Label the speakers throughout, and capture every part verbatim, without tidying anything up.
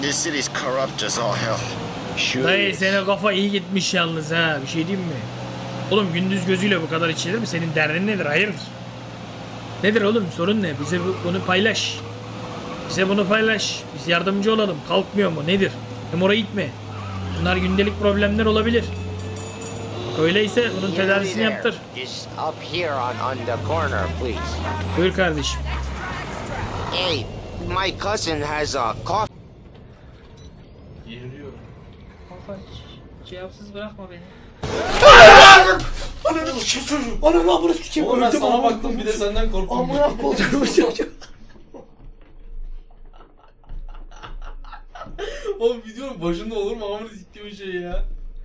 Speaker 1: This city's corrupt as all hell. Sure
Speaker 2: Dayı
Speaker 1: is.
Speaker 2: senin kafa iyi gitmiş yalnız ha. Bir şey diyeyim mi? Oğlum gündüz gözüyle bu kadar içilir mi? Senin derdin nedir? Hayırdır? Nedir oğlum? Sorun ne? Bize bu- bunu paylaş. Bize bunu paylaş. Biz yardımcı olalım. Kalkmıyor mu? Nedir? Hem oraya gitme. Bunlar gündelik problemler olabilir. Bak öyleyse bunun tedavisini yaptır.
Speaker 3: Just up here on, on the corner, please.
Speaker 2: Buyur kardeşim.
Speaker 3: Hey, my cousin has a cough.
Speaker 2: Kafa cevapsız bırakma beni.
Speaker 4: Ananı sikeyim çocuğum. Ananı amına sikeyim.
Speaker 5: Oğlum ben
Speaker 4: Öldüm
Speaker 5: sana
Speaker 4: amına
Speaker 5: baktım
Speaker 4: koydum.
Speaker 5: bir de senden korktum.
Speaker 4: Amına koydum çocuğum.
Speaker 5: Oğlum videonun başında olur mu amına siktiğim şey ya?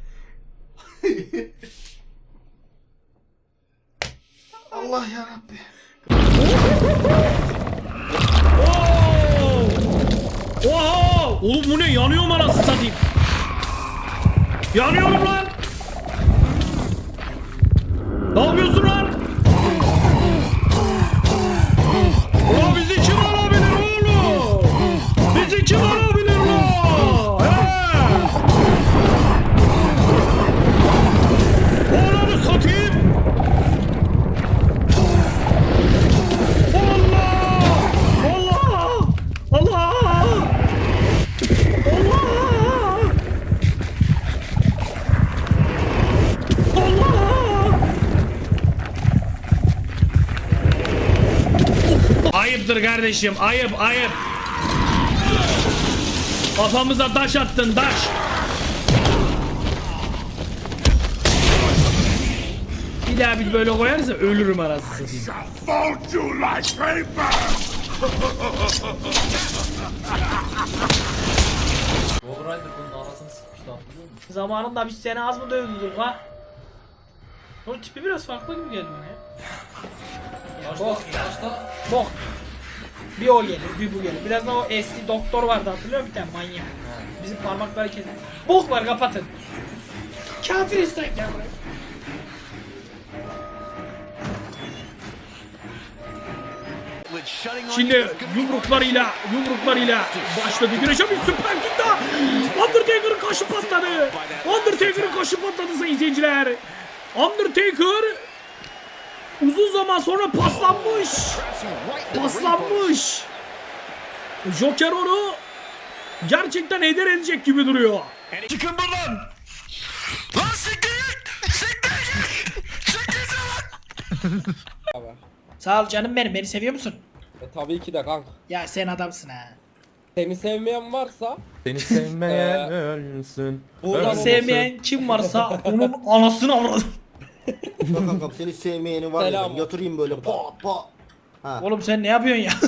Speaker 4: Allah yarabbi.
Speaker 2: Oha! Oğlum bu ne? Yanıyorum anasını satayım. Yanıyorum lan. Ne yapıyorsun lan? Ulan bizi kim alabilir oğlum? Bizi kim alabilir lan? He? Oğlanı satayım. Allah! Allah! Allah! Allah! Allah! Ayıptır kardeşim, ayıp, ayıp. Kafamıza taş attın, taş. Bir daha bir böyle koyarsa ölürüm arasını satayım.
Speaker 5: Overrider bunun anasını sıkmıştı hatırlıyor musun?
Speaker 2: Zamanında biz seni az mı dövdük ha? O tipi biraz farklı gibi geldi bana ya.
Speaker 5: Başta, başta
Speaker 2: Bok. Bir o gelir, bir bu gelir. Biraz da o eski doktor vardı hatırlıyor musun bir tane manyak? Bizim parmakları kesin. Bok var kapatın. Kafir istek ya buraya. Şimdi yumruklarıyla, yumruklarıyla başladı güreşe bir süper kick daha. Undertaker'ın kaşı patladı. Undertaker'ın kaşı patladı sayın seyirciler. Undertaker uzun zaman sonra paslanmış. Paslanmış. Joker onu gerçekten heder edecek gibi duruyor. Çıkın buradan. Lan siktir git. Siktir git. Siktir git. Sağ ol canım benim. Beni seviyor musun?
Speaker 6: E, tabii ki de kanka.
Speaker 2: Ya sen adamsın ha.
Speaker 6: Seni sevmeyen varsa
Speaker 7: Seni sevmeyen ölsün.
Speaker 2: Onu sevmeyen kim varsa onun anasını avradım.
Speaker 8: Bak kankam seni sevmeyeni var ya
Speaker 6: Selam.
Speaker 8: ben yatırayım böyle pa pa. Ha.
Speaker 2: Oğlum sen ne yapıyorsun ya?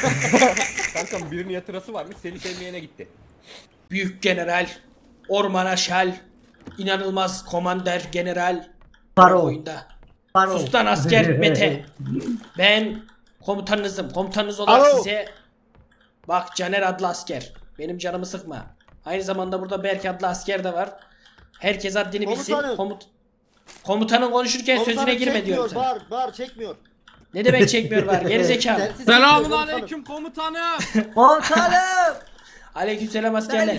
Speaker 7: Kankam birinin yatırası varmış seni sevmeyene gitti.
Speaker 2: Büyük general, ormana şel, inanılmaz komander general.
Speaker 4: Paro.
Speaker 2: Oyunda.
Speaker 4: Paro.
Speaker 2: Sustan asker Mete. Ben komutanınızım. Komutanınız olarak
Speaker 8: Alo.
Speaker 2: size... Bak Caner adlı asker. Benim canımı sıkma. Aynı zamanda burada Berk adlı asker de var. Herkes haddini bilsin.
Speaker 8: Komutanım.
Speaker 2: Komut... Komutanın konuşurken sözüne
Speaker 8: Komutanım
Speaker 2: girme
Speaker 8: çekmiyor,
Speaker 2: diyorum sana.
Speaker 8: Bağır bağır çekmiyor.
Speaker 2: Ne demek çekmiyor var gerizekalı.
Speaker 8: Sensiz
Speaker 7: Selamun
Speaker 8: çekmiyor,
Speaker 7: aleyküm komutanım.
Speaker 4: Komutanım.
Speaker 2: Aleykümselam askerler.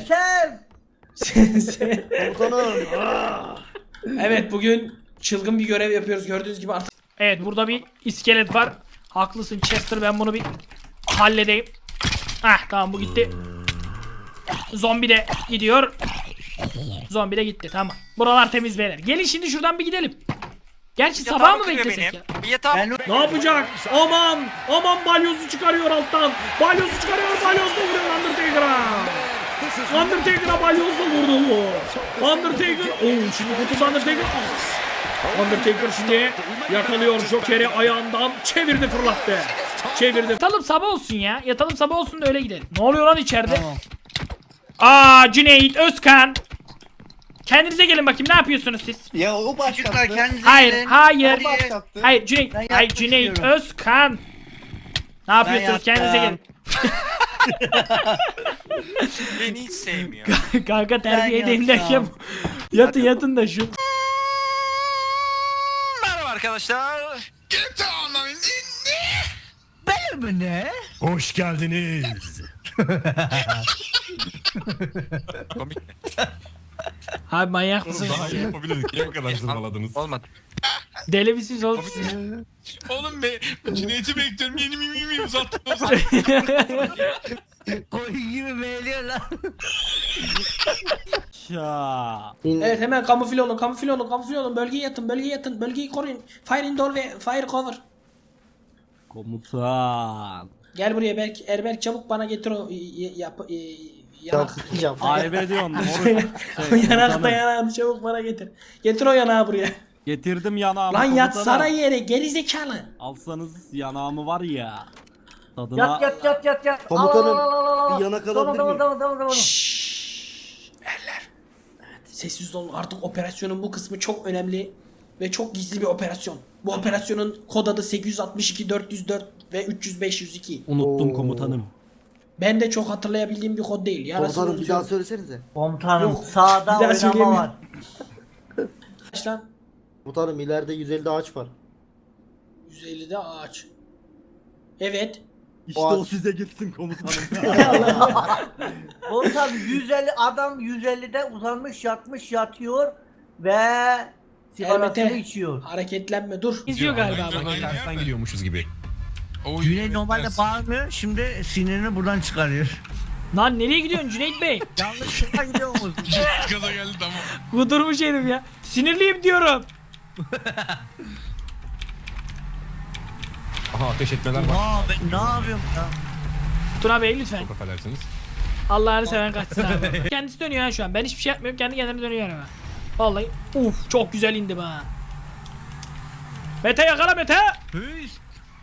Speaker 4: Selam.
Speaker 8: Komutanım.
Speaker 2: Evet bugün çılgın bir görev yapıyoruz gördüğünüz gibi artık. Evet burada bir iskelet var. Haklısın Chester ben bunu bir halledeyim. Hah tamam bu gitti. Zombi de gidiyor. Zombi de gitti tamam. Buralar temiz beyler. Gelin şimdi şuradan bir gidelim. Gerçi sabah mı beklesek ya? Ne yapacak? Aman! Aman balyozu çıkarıyor alttan. Balyozu çıkarıyor. Balyozla vuruyor Undertaker'a. Undertaker'a balyozla vurdu bu. Undertaker. Oo şimdi kurtuldu Undertaker. Undertaker şimdi yakalıyor Joker'i ayağından. Çevirdi fırlattı. Çevirdi. Yatalım sabah olsun ya. Yatalım sabah olsun da öyle gidelim. Ne oluyor lan içeride? Aa Cüneyt Özkan. Kendinize gelin bakayım ne yapıyorsunuz siz?
Speaker 9: Ya o başlattı.
Speaker 2: Hayır, hayır.
Speaker 9: O başlattı.
Speaker 2: Hayır Cüneyt,
Speaker 9: Ben
Speaker 2: hayır
Speaker 9: yapmak
Speaker 2: Cüneyt
Speaker 9: istiyorum.
Speaker 2: Özkan. Ne yapıyorsunuz?
Speaker 9: yaptım.
Speaker 2: Kendinize gelin.
Speaker 10: Beni hiç sevmiyor.
Speaker 2: Kanka terbiye
Speaker 9: Ben
Speaker 2: edeyim
Speaker 9: yaptım.
Speaker 2: derken yatın yatın da şu.
Speaker 10: Merhaba arkadaşlar.
Speaker 9: Ben mi ne?
Speaker 11: Hoş geldiniz.
Speaker 10: Komik mi?
Speaker 2: Abi manyak mısınız?
Speaker 9: Daha iyi yapabilirdik. Niye bu kadar zırvaladınız?
Speaker 10: Olmadı.
Speaker 2: Deli misiniz oğlum siz?
Speaker 9: Oğlum be, Cüneyt'i bekliyorum. Yeni mi mi mi uzattınız?
Speaker 4: Koyun gibi meyliyor lan.
Speaker 2: Evet hemen kamufle olun, kamufle olun, kamufle olun. Bölgeye yatın, bölgeye yatın, bölgeyi koruyun. Fire indoor ve fire cover.
Speaker 7: Komutan.
Speaker 2: Gel buraya Berk, Erberk çabuk bana getir o y- yap, y- yanak.
Speaker 7: Ayıp ediyorsun.
Speaker 2: O yanak da yanağını çabuk bana getir. Getir o yanağı buraya.
Speaker 7: Getirdim yanağımı.
Speaker 2: Lan
Speaker 7: komutanım.
Speaker 2: yatsana yere gerizekalı.
Speaker 7: Alsanız yanağımı var ya. Tadına...
Speaker 4: Yat yat yat yat yat.
Speaker 8: Komutanım,
Speaker 4: Al, al, al, al, al.
Speaker 8: bir yanak
Speaker 4: Tamam,
Speaker 8: alabilir
Speaker 4: tamam,
Speaker 8: miyim?
Speaker 4: tamam, tamam, tamam.
Speaker 2: Şşşş. Erler. Evet, sessiz olun artık operasyonun bu kısmı çok önemli ve çok gizli bir operasyon. Bu operasyonun kod adı sekiz yüz altmış iki dört yüz dört ve üç yüz beş yüz iki.
Speaker 7: Unuttum
Speaker 8: Oo.
Speaker 7: komutanım.
Speaker 2: Ben de çok hatırlayabildiğim bir kod değil. Yarasını
Speaker 8: Komutanım bir daha
Speaker 2: unutuyorum.
Speaker 8: söylesenize.
Speaker 4: Komutanım
Speaker 2: Yok,
Speaker 4: sağda
Speaker 2: bir daha
Speaker 4: oynama
Speaker 2: söyleyemiyorum.
Speaker 4: var.
Speaker 2: Kaç lan?
Speaker 8: Komutanım ileride yüz ellide ağaç var.
Speaker 2: yüz ellide ağaç. Evet.
Speaker 7: İşte
Speaker 8: O-
Speaker 7: o size gitsin komutanım.
Speaker 4: Komutanım yüz elli adam yüz ellide uzanmış yatmış yatıyor ve sigarasını
Speaker 2: Elbette.
Speaker 4: içiyor.
Speaker 2: Hareketlenme dur. İzliyor galiba bu.
Speaker 9: Tersten gidiyormuşuz gibi.
Speaker 11: Cüneyt normalde bağırmıyor, şimdi sinirini buradan çıkarıyor.
Speaker 2: Lan nereye gidiyorsun Cüneyt Bey?
Speaker 11: Yanlışlıkla gidiyor musun?
Speaker 9: Gaza geldi tamam.
Speaker 2: Kudurmuş herif ya. Sinirliyim diyorum.
Speaker 9: Aha ateş etmeler var.
Speaker 11: Aa ben ne yapıyorum ya?
Speaker 2: Tuna Bey lütfen.
Speaker 9: Çok affedersiniz.
Speaker 2: Allah'ını seven kaçsın abi. Kendisi dönüyor ha şu an. Ben hiçbir şey yapmıyorum. Kendi kendine dönüyor ama. Vallahi. Uf çok güzel indim ha. Mete yakala Mete.
Speaker 11: Hüs.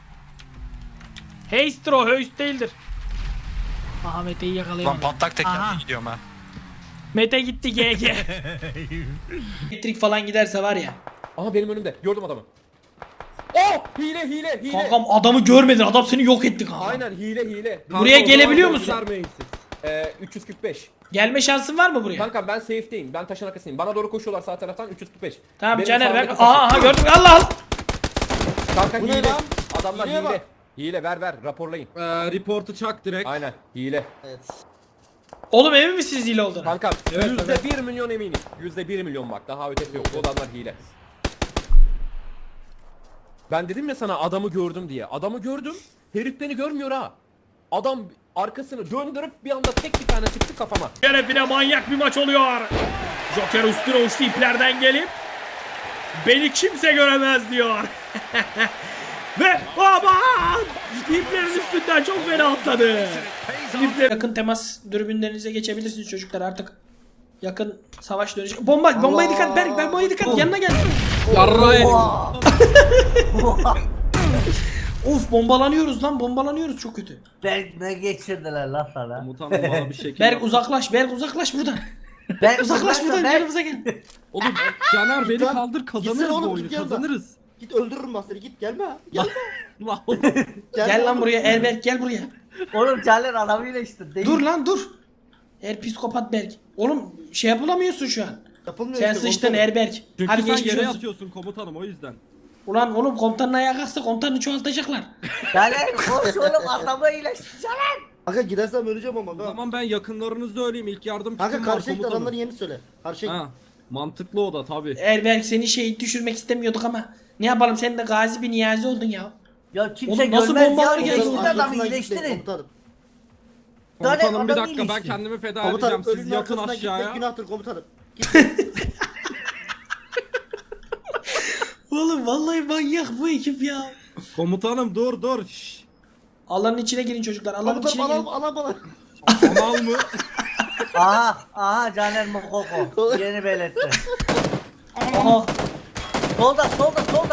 Speaker 2: Heister o. Höist değildir. Aha Mete'yi
Speaker 10: Lan
Speaker 2: yakalayamadım.
Speaker 10: patlak tekerle
Speaker 11: Aha.
Speaker 10: gidiyorum ha.
Speaker 2: Mete gitti G G. Elektrik falan giderse var ya.
Speaker 7: Aha benim önümde. Gördüm adamı. Oh! Hile hile hile.
Speaker 2: Kankam adamı görmedin. Adam seni yok etti kanka.
Speaker 7: Aynen hile hile.
Speaker 2: Buraya
Speaker 7: Kanka, o
Speaker 2: gelebiliyor
Speaker 7: zaman
Speaker 2: musun?
Speaker 7: göstermeyin siz. Ee, üç yüz kırk beş.
Speaker 2: Gelme şansın var mı buraya?
Speaker 7: Kanka ben safe'deyim. Ben taşın arkasındayım. Bana doğru koşuyorlar sağ taraftan üç yüz kırk beş.
Speaker 2: Tamam
Speaker 7: Benim
Speaker 2: Caner ver.
Speaker 7: sağımdaki
Speaker 2: Aha
Speaker 7: taşı-
Speaker 2: aha gördüm. Allah Allah.
Speaker 7: Kanka
Speaker 8: Bu ne
Speaker 7: hile.
Speaker 8: lan?
Speaker 7: Adamlar
Speaker 8: Hileye
Speaker 7: hile.
Speaker 8: bak.
Speaker 7: Hile ver ver raporlayın.
Speaker 6: Ee, reportu çak direkt.
Speaker 7: Aynen hile.
Speaker 8: Evet.
Speaker 2: Oğlum emin misiniz hile olduğunu?
Speaker 7: Kanka
Speaker 6: Evet,
Speaker 7: yüzde
Speaker 6: evet.
Speaker 7: bir milyon eminim. Yüzde bir milyon bak daha ötesi yok. Bu adamlar hile. Ben dedim ya sana adamı gördüm diye. Adamı gördüm. Herif beni görmüyor ha. Adam arkasını döndürüp bir anda tek bir tane sıktı kafama.
Speaker 2: Şerefine manyak bir maç oluyor. Joker üstüne uçtu iplerden gelip beni kimse göremez diyor. Ve aman! İplerin üstünden çok fena atladı. İpler... Yakın temas dürbünlerinize geçebilirsiniz çocuklar artık. Yakın savaş dönecek. Bomba, bombaya dikkat Berk, bombaya dikkat. Yanına gel. Of bombalanıyoruz lan, bombalanıyoruz çok kötü.
Speaker 4: Ben ne geçirdiler lan sana?
Speaker 6: Komutanım bana bir şekil
Speaker 2: Berk
Speaker 6: yap.
Speaker 2: uzaklaş, Berk uzaklaş buradan.
Speaker 4: Ben
Speaker 2: Uzaklaş buradan,
Speaker 4: ben,
Speaker 2: yanımıza gel.
Speaker 6: Oğlum Caner beni
Speaker 8: Git lan.
Speaker 6: kaldır
Speaker 8: Gitsene
Speaker 6: kazanırız bu
Speaker 8: oğlum,
Speaker 6: oyunu
Speaker 8: git yanına.
Speaker 6: kazanırız.
Speaker 8: Git öldürürüm ben seni git gelme. Gel.
Speaker 6: Lan oğlum.
Speaker 2: Gel lan buraya Erberk, gel buraya.
Speaker 4: Oğlum Caner adamıyla işte değil.
Speaker 2: Dur lan dur. Er psikopat Berk. Oğlum şey yapılamıyorsun şu an.
Speaker 8: Yapılmıyor
Speaker 2: Sen
Speaker 8: işte,
Speaker 2: sıçtın
Speaker 8: komutanım.
Speaker 2: Erberk.
Speaker 6: Çünkü
Speaker 2: Hadi
Speaker 6: sen
Speaker 2: geçmiş
Speaker 6: yere
Speaker 2: olsun.
Speaker 6: yatıyorsun komutanım o yüzden.
Speaker 2: Ulan oğlum komutanın ayağa kalksa komutanı çoğaltacaklar.
Speaker 4: Caner koş oğlum adamı iyileştir Caner.
Speaker 8: Kanka gidersem öleceğim ama.
Speaker 6: O zaman ben yakınlarınızda öleyim ilk yardım
Speaker 8: Kanka
Speaker 6: kitim var
Speaker 8: karşıya git
Speaker 6: komutanım.
Speaker 8: adamların yerini söyle. Karşıya git.
Speaker 6: Ha, mantıklı o da tabi.
Speaker 2: Erberk seni şehit düşürmek istemiyorduk ama ne yapalım sen de gazi bir niyazi oldun ya.
Speaker 4: Ya kimse
Speaker 2: Oğlum nasıl
Speaker 4: görmez
Speaker 2: bombalar
Speaker 4: ya.
Speaker 2: geldi?
Speaker 4: İyileştirin adamı
Speaker 8: Arkasından gitmeyin
Speaker 4: iyileştirin.
Speaker 8: komutanım.
Speaker 4: Caner
Speaker 6: Komutanım bir
Speaker 4: adamı
Speaker 6: dakika ben
Speaker 4: iyileştir.
Speaker 6: kendimi feda
Speaker 8: Komutanım
Speaker 6: edeceğim siz
Speaker 8: ölünün
Speaker 6: yatın
Speaker 8: arkasına gitmek
Speaker 6: aşağıya.
Speaker 8: günahtır komutanım.
Speaker 2: Oğlum vallahi manyak bu ekip ya.
Speaker 6: Komutanım dur dur. Şşş.
Speaker 2: Alanın içine girin çocuklar. Alanın
Speaker 8: Komutanım
Speaker 2: içine
Speaker 8: alam
Speaker 2: girin.
Speaker 8: alam alam.
Speaker 6: Kanal mı?
Speaker 4: Aha aha Caner Mokoko yeni belirtti.
Speaker 2: Aha.
Speaker 4: Solda solda solda.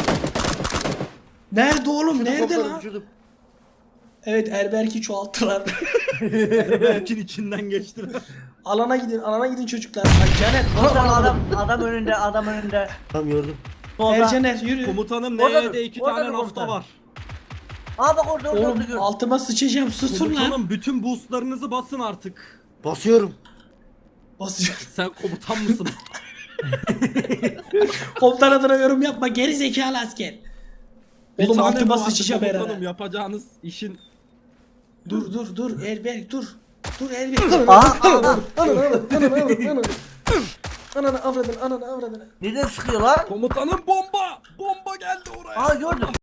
Speaker 2: Nerede oğlum? Nerede
Speaker 8: Komutanım,
Speaker 2: lan?
Speaker 8: vücudum.
Speaker 2: Evet Erberk'i çoğalttılar.
Speaker 6: Berk'in içinden geçtiler.
Speaker 2: alana gidin. Alana gidin çocuklar. Ay Caner.
Speaker 4: Komutan
Speaker 2: Adam,
Speaker 4: adam adam önünde adam önünde.
Speaker 8: Tamam gördüm.
Speaker 4: Solda.
Speaker 2: Ercaner yürü.
Speaker 6: Komutanım
Speaker 4: Orada
Speaker 6: N'de
Speaker 4: dur,
Speaker 6: iki
Speaker 4: orada
Speaker 6: tane
Speaker 4: dur
Speaker 6: nafta
Speaker 4: komutan.
Speaker 6: var.
Speaker 4: Aa bak orada orada orada
Speaker 2: Oğlum
Speaker 4: gör.
Speaker 2: altıma sıçacağım. Susun lan.
Speaker 6: Komutanım bütün boostlarınızı basın artık.
Speaker 8: Basıyorum.
Speaker 2: Basıyor.
Speaker 6: Sen komutan mısın?
Speaker 2: Komutan adına yorum yapma. Geri zekalı asker.
Speaker 6: Bir
Speaker 2: Oğlum
Speaker 6: tane
Speaker 2: altıma
Speaker 6: mi vardı
Speaker 2: sıçacağım
Speaker 6: komutanım,
Speaker 2: herhalde.
Speaker 6: yapacağınız işin
Speaker 2: Dur dur dur Erberk dur. Dur Elvi.
Speaker 4: Aa, aa.
Speaker 2: Ananı avradın, ananı avradın, ananı. Ananı avradın, ananı avradın.
Speaker 4: Neden sıkıyor lan?
Speaker 6: Komutanım bomba! Bomba geldi oraya.
Speaker 4: Aa gördüm.